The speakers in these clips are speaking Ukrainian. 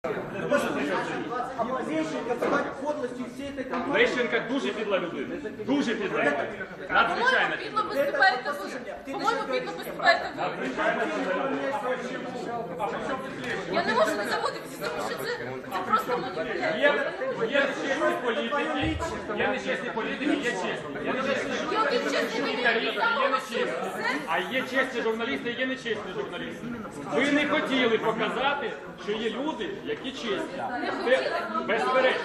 Лещенка дуже підла людина. Дуже підла людина. Надзвичайно підла. По-моєму, підло виступаєте ви. Я не можу не заводитися, тому що це просто маніпуляція. Є нечесні політики, є чесні. Які чесні Є нечесні. А є чесні журналісти, є нечесні журналісти. Ви не хотіли показати, що є люди, які чесні. Безперечно.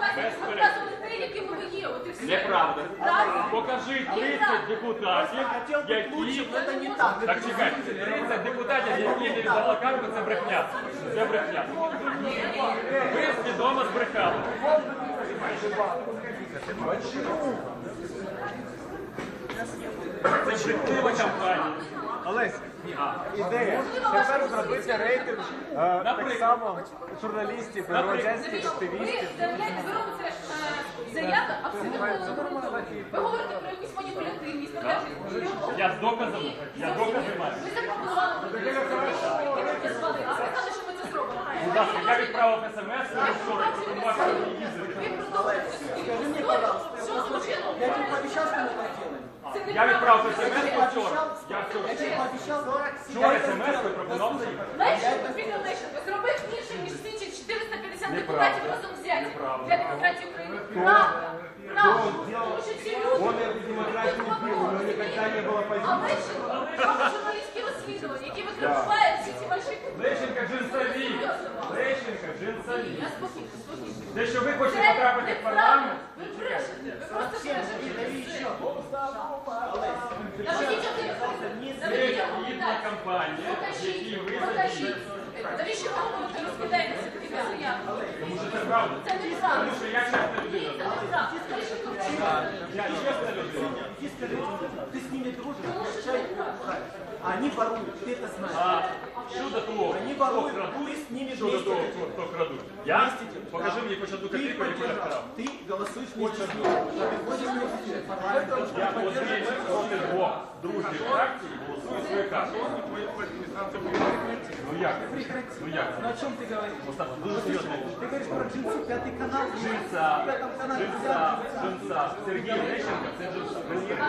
Неправда. Покажи 30 депутатів, які... Так, чекайте, 30 депутатів, які не віддала карту, це брехня. Це брехня. Ви свідомо збрехали. Це брехлива кампанія. Олесь, ідея. Тепер зробити рейтинг так само журналістів, громадянських активістів. Ви робите заяви абсолютно нормально. Ви говорите про якусь маніпулятивність. Я з доказами маю. Ви запропонували, ви підписали, а сказали, що ми це зробимо. Будь ласка, я відправив смс, що пропонував, що ви їздите. Ви продовжуєте. Що злочинно? Я тебе пообещал, что мы это сделаем. Я відправив смс вчора. Я Я тебе пообещал. вчора смс пропонував. Лещенко, Віктор Лещенко, зробив більше, ніж свідчить 450 депутатів разом взяті для демократії України. Правда. Правда. Тому що ці люди... А Лещенко, робить журналістські розслідування, які викривають всі ці ваші... Лещенка джинсові. Лещенка джинсові. Я спокійно, спокійно. Те, що ви хочете потрапити в парламент, Ви брешете, ви просто брешете. Наведіть один. це гідна кампанія, в якій ви задіяні. Навіщо ви говорите, розкидаєтеся такі заяви? Тому що це правда. Це неправда. Тому що я чесна людина. Це неправда. Лещенко вчинив. Я чесна людина. Иди скажи, ты с ними дружишь, чай правишь. А они воруют, ты это знаешь. А щодо того, Они хто воруют, крадуть, ты с ними щодо того, вместе. хто крадуть. Я? Покажи мені хоч одну Ты копійку, яку я поддержал, вкрав. ты голосуешь вместе с ними. Ты ходишь вместе в парламент. Я голосую проти двох дружніх фракцій, голосую свою карту. Ну як? Ну як? Ну о чем ты говоришь? Остап, дуже серйозно. Ты говоришь про джинсы, пятый канал. Джинса. Сергій Лещенко, це джинса.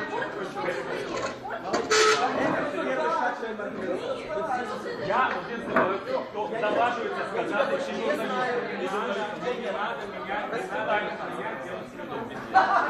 Я один з небагатьох, хто наважується сказати, що журналісти. Не надо мене, не надо мене делать свідомість.